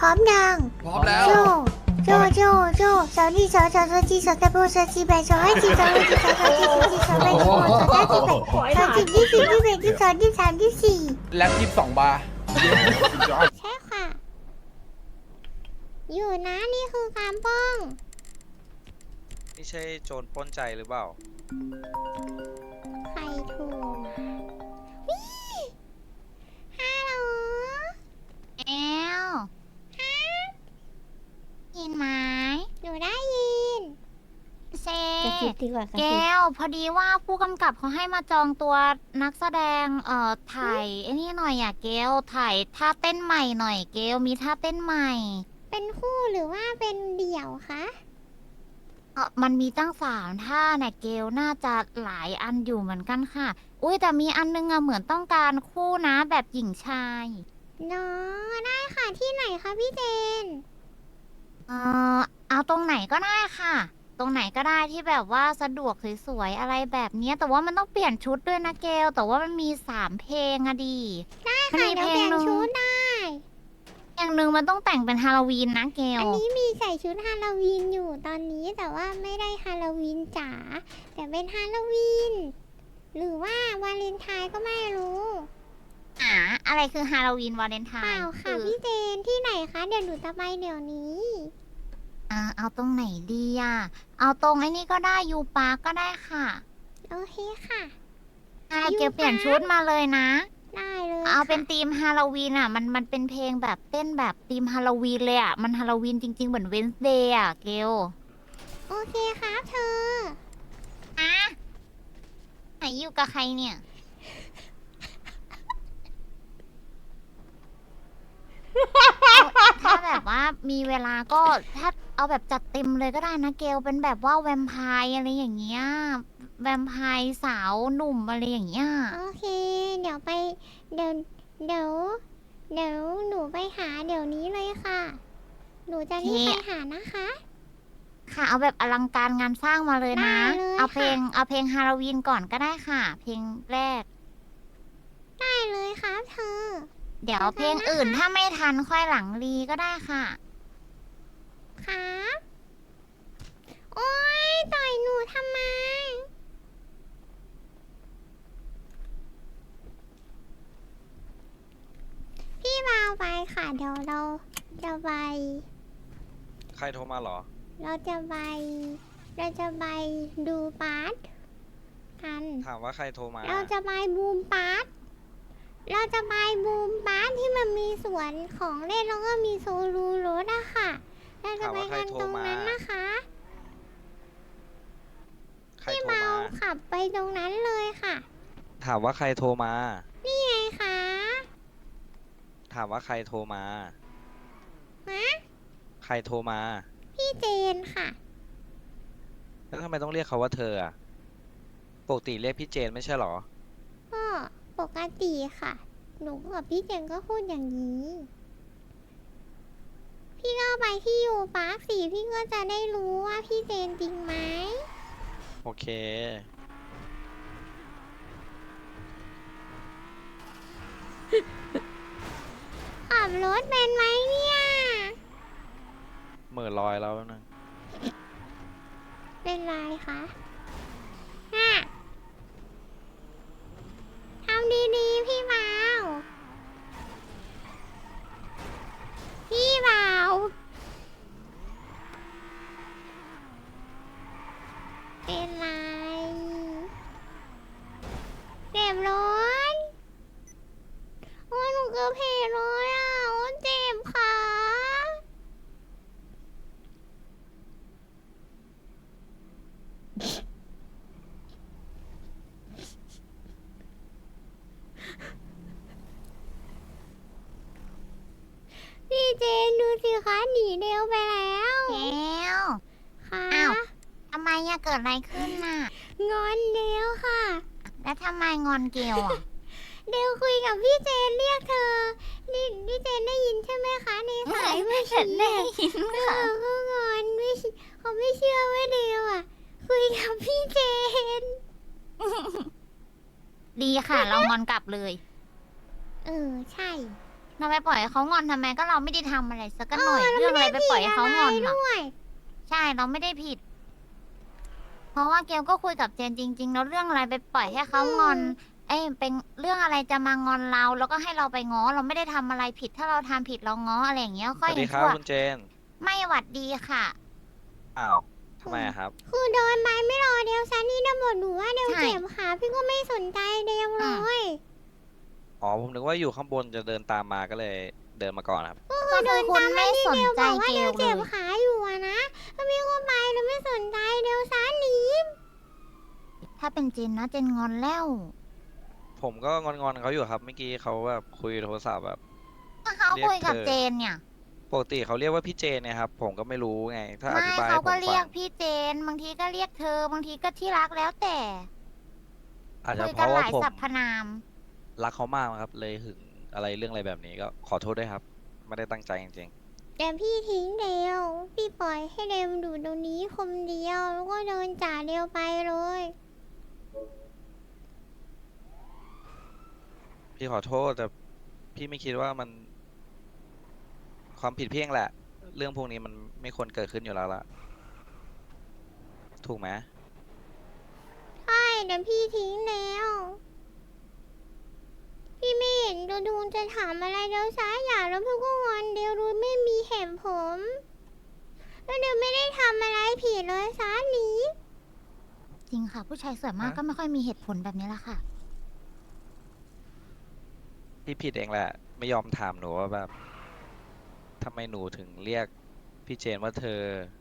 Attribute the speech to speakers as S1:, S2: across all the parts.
S1: ร้อมยัง
S2: พร้อมแล้ว
S1: โจโจสาวนี่สาวจีสาวตะโบสาวจีแบสาวให้จีสาวให้จีสาวจีสาวจีสาวแบสาวสาวจีแบสาวจีที่สี่ที่แบที่สองที่สามที่สี่
S2: แล็บ22 บาร์
S1: ใช่ค่ะ อยู่นะนี่คือการป้อง
S3: นี่ใช่โจรปล้นใจหรือเปล่า
S1: ใครโทรมาวิฮัลโหลแอลฮะยินไหมหนูได้ยินเซ
S4: กระซิบดีกว่ากระ
S1: แก
S4: ซิบ
S1: วพอดีว่าผู้กำกับเขาให้มาจองตัวนักแสดงถ่ายไอ้นี่หน่อยอ่ะเกลถ่ายท่าเต้นใหม่หน่อยเกลมีท่าเต้นใหม่ เป็นคู่หรือว่าเป็นเดี่ยวคะมันมีตั้ง3ท่าเนี่ยเกลน่าจะหลายอันอยู่เหมือนกันค่ะ อุ้ยแต่มีอันนึงอะเหมือนต้องการคู่นะแบบหญิงชายเนาะได้ค่ะที่ไหนคะพี่เจนเอาตรงไหนก็ได้ค่ะ ตรงไหนก็ได้ที่แบบว่าสะดวกสวยๆอะไรแบบเนี้ยแต่ว่ามันต้องเปลี่ยนชุดด้วยนะเกลแต่ว่ามันมี3เพลงอะดีได้ค่ะเดี๋ยวเปลี่ยนชุดได้อย่างหนึ่งมันต้องแต่งเป็นฮาโลวีนนะเกลอันนี้มีใส่ชุดฮาโลวีนอยู่ตอนนี้แต่ว่าไม่ได้ฮาโลวีนจ๋าแต่เป็นฮาโลวีนหรือว่าวาเลนไทน์ก็ไม่รู้อะไรคือฮาโลวีนวาเลนไทน์เปล่าค่ะพี่เจนที่ไหนคะเดี๋ยวหนูจะไปเดี๋ยวนี้เอาตรงไหนดีเอาตรงไอ้นี่ก็ได้ยูปาร์กก็ได้ค่ะโอเคค่ะเกียวเปลี่ยนชุดมาเลยนะได้เลยเอาเป็นธีมฮาโลวีนมันเป็นเพลงแบบเต้นแบบธีมฮาโลวีนเลยมันฮาโลวีนจริงๆเหมือนเวนส์เดย์เกลโอเคครับเธอไหนอยู่กับใครเนี่ยถ้าแบบว่ามีเวลาก็ถ้าเอาแบบจัดเต็มเลยก็ได้นะเกลเป็นแบบว่าแวมไพร์อะไรอย่างเงี้ยแวมไพร์สาวหนุ่มอะไรอย่างเงี้ยโอเคเดี๋ยวไปเดี๋ยวหนูไปหาเดี๋ยวนี้เลยค่ะหนูจะรีบไปหานะคะค่ะเอาแบบอลังการงานสร้างมาเลยนะเอาเพลงฮาโลวีนก่อนก็ได้ค่ะ เพลงแรกได้เลยครับเธอเดี๋ยวเพลงอื่นถ้าไม่ทันค่อยหลังรีก็ได้ค่ะครับโอ๊ยต่อยหนูทำไมพี่มาเอาไปค่ะเดี๋ยวเราจะไป
S3: ใครโทรมาเหรอ
S1: เราจะไปดูปาร์ตกัน
S3: ถามว่าใครโทรมา
S1: เราจะไปบูมปาร์ตที่มันมีสวนของเล่นแล้วก็มีโซลูรถอะค่ะเราจะไปกันตรงนั้นนะคะ
S3: ใคร
S1: พี่
S3: โทร
S1: เมา
S3: มา
S1: ขับไปตรงนั้นเลยค่ะ
S3: ถามว่าใครโทรมา
S1: นี่ไงคะ
S3: ถามว่าใครโทรมา
S1: ฮะ
S3: ใครโทรมา
S1: พี่เจนค่ะ
S3: แล้วทำไมต้องเรียกเขาว่าเธออะปกติเรียกพี่เจนไม่ใช่เหรอ
S1: ก็ปกติค่ะ หนูกับพี่เจนก็พูดอย่างนี้ พี่ก็ไปที่ยูปาร์คสิพี่ก็จะได้รู้ว่าพี่เจนจริงไหม
S3: โอเค
S1: ขับรถเป็นไหมเนี่ย
S3: เหม่อลอยแล้วนึง
S1: เป็นไรคะทำดีๆพี่เมาเป็นไรเจ็บร้อนโอ้ยหนูเกือบเพลเลยโอ้ยเจ็บขาพี่เจนดูสิคะหนีเดียวไปแล้วเดียวค่ะอ้าวทำไมเกิดอะไรขึ้นน่ะงอนเดียวค่ะแล้วทำไมงอนเกลเดวคุยกับพี่เจนเรียกเธอนี่พี่เจนได้ยินใช่ไหมคะในสายเมื่อกี้ได้ยินค่ะก็งอนไม่เขาไม่เชื่อว่าเดวคุยกับพี่เจน ดีค่ะเรางอนกลับเลยใช่เราไปปล่อยให้เขางอนทำไมก็เราไม่ได้ทำอะไรสักหน่อยเรื่องอะไรไปปล่อยให้เขางอนล่ะ
S2: ด้วย
S1: ใช่เราไม่ได้ผิด เพราะว่าเกลก็คุยกับเจนจริงๆแล้วเรื่องอะไรไปปล่อยให้เขางอน เอ้ยเป็นเรื่องอะไรจะมางอนเราแล้วก็ให้เราไปง้อเราไม่ได้ทำอะไรผิด ถ้าเราทำผิดเราง้ออะไรอย่างเงี้ย
S3: ส
S1: ค่อย
S3: วัส
S1: เห็
S3: ดี
S1: น
S3: ครับ
S1: ชั่ว
S3: คุณเจน
S1: ไม่หวัดดีค่ะ
S3: อ้าวทำไมอะครับ
S2: คือเดินไปไม่รอเดียวซันนี่นะบอกหนูว่าเดียว
S1: ใช่
S2: เจ็บขาพี่ก็ไม่สนใจเดียวเลย
S3: อ๋อผมนึกว่าอยู่ข้างบนจะเดินตามมาก็เลยเดินมาก่อนครับ
S1: ก็คือคุณไม่สนใจ
S2: บอกว่า
S1: เก
S2: เดี
S1: ล
S2: ยว
S1: เล
S2: เจ็บ
S1: ย
S2: ขาอยู่อะนะแล้วพี่ก็ไปแล้วไม่สนใจเดียวซันหนี
S1: ถ้าเป็นเจนนะเจนงอนแล้ว
S3: ผมก็งอนๆเขาอยู่ครับเมื่อกี้เขาแบบคุยโทรศัพท์แบบ
S1: ถ้าเขา
S3: เรียก
S1: คุยกับ
S3: เธอ
S1: เจนเนี่ย
S3: ปกติเขาเรียกว่าพี่เจนเนี่ยครับผมก็ไม่รู้ไง ถ้าอ
S1: ไม่
S3: ธิบาย
S1: เขา
S3: ให้ผ
S1: ก็
S3: ม
S1: เรี
S3: ฟั
S1: ยก
S3: ง
S1: พี่เจน บางทีก็เรียกเธอบางทีก็ที่รักแล้วแต่
S3: อาจจะ
S1: คุย
S3: เพ
S1: กัน
S3: ราะ
S1: ห
S3: ว่า
S1: ลาย
S3: ผม
S1: สรรพนาม
S3: รักเขามากครับ เลยหึงอะไรเรื่องอะไรแบบนี้ก็ขอโทษด้วยครับ ไม่ได้ตั้งใจจริง
S2: แต่พี่ทิ้งเดียวพี่ปล่อยให้เดียวอยู่ตรงนี้คนเดียวแล้วก็เดินจากเดียวไปเลย
S3: ๆพี่ขอโทษแต่พี่ไม่คิดว่ามัน ความผิดพี่เองแหละ เรื่องพวกนี้มันไม่ควรเกิดขึ้นอยู่แล้วล่ะ ถูกไหม
S2: ใช่แต่พี่ทิ้งแล้วพี่ไม่เห็นดูจะถามอะไรเดียวซ้ายอย่างแล้วพี่ก็งอนเดียวดูไม่มีเหตุผลแล้วเดียวไม่ได้ทำอะไรผิดเลยซ้าหนี
S1: จริงค่ะ ผู้ชายส่วนมาก
S3: ฮะ
S1: ก็ไม่ค่อยมีเหตุผลแบบนี้แหละค่ะ
S3: พี่ผิดเองแหละ ไม่ยอมถามหนูว่าแบบทำไมหนูถึงเรียกพี่เจนว่าเธอ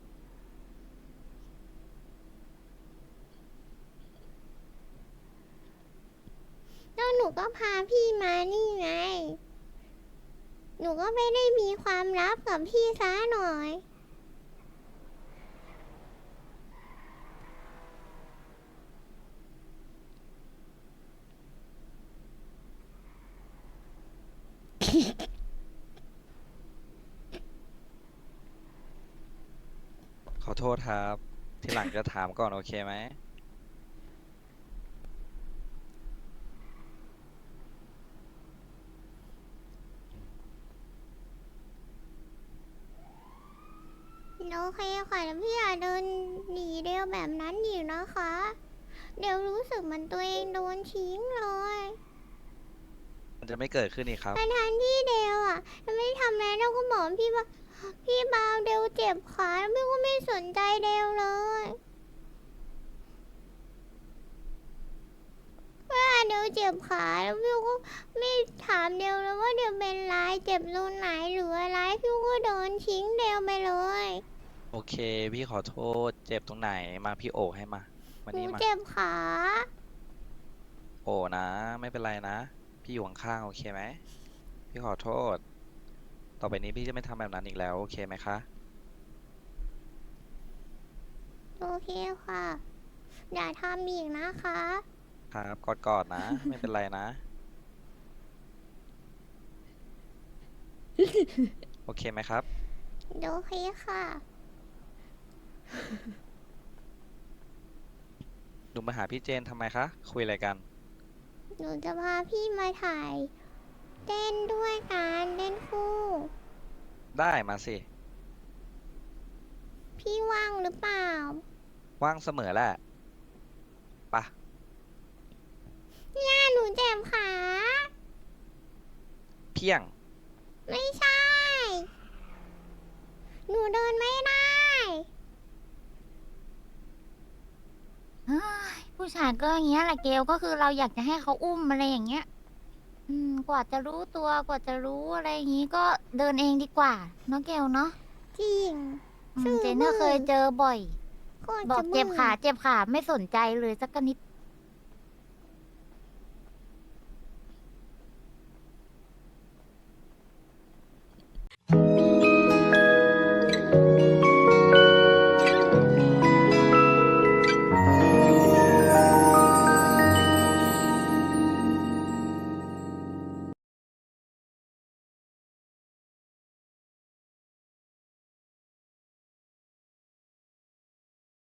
S2: แล้วหนูก็พาพี่มานี่ไง หนูก็ไม่ได้มีความลับกับพี่ซ้าหน่อย
S3: ขอโทษครับ ทีหลังจะถามก่อนโอเคไหม
S2: โอเคค่ะแล้วพี่อย่าเดินหนีเดียวแบบนั้นอีกนะคะ เดี๋ยวรู้สึกเหมันตัวเองโดนทิ้งเลย
S3: มันจะไม่เกิดขึ้นอีกครับ
S2: ทันที่เดียวอ่ะไม่ทำอะไรเราก็บอกพี่ว่าพี่บาวเดียวเจ็บขาแล้วพี่ก็ไม่สนใจเดียวเลยว่าเดียวเจ็บขาแล้วพี่ก็ไม่ถามเดียวเลยว่าเดียวเป็นไรเจ็บตรงไหนหรืออะไรพี่ก็โดนทิ้งเดียวไปเลย
S3: โอเค พี่ขอโทษ เจ็บตรงไหน มาพี่โอให้มา วัน
S2: หนู
S3: นี้มา
S2: เจ็บขา
S3: โอนะ ไม่เป็นไรนะ พี่อยู่ข้างๆโอเคไหม พี่ขอโทษ ต่อไปนี้พี่จะไม่ทำแบบนั้นอีกแล้ว โอเคไหมคะ
S2: โอเคค่ะ อย่าทำอีกนะคะ
S3: ครับกอดๆนะ ไม่เป็นไรนะ โอเคไหมครับ
S2: โอเคค่ะ
S3: หนูมาหาพี่เจนทำไมคะ คุยอะไรกัน
S2: หนูจะพาพี่มาถ่ายเต้นด้วยกันเต้นคู่
S3: ได้มาสิ
S2: พี่ว่างหรือเปล่า
S3: ว่างเสมอแหละปะ
S2: เนี่ยหนูเจ็บขา
S3: เพียง
S2: ไม่ใช่ หนูเดินไม่ได้
S1: เฮ้ยผู้ชายก็อย่างเงี้ยแหละเกลก็คือเราอยากจะให้เขาอุ้มอะไรอย่างเงี้ย กว่าจะรู้ตัวกว่าจะรู้อะไรอย่างงี้ก็เดินเองดีกว่าเนาะเกลเนาะ
S2: จริง
S1: เจนเนอร์เคยเจอบ่อย
S2: โคตร
S1: บอก
S2: จะ
S1: เจ็บ
S2: บื่
S1: ขาเจ็บขาไม่สนใจเลยสักนิด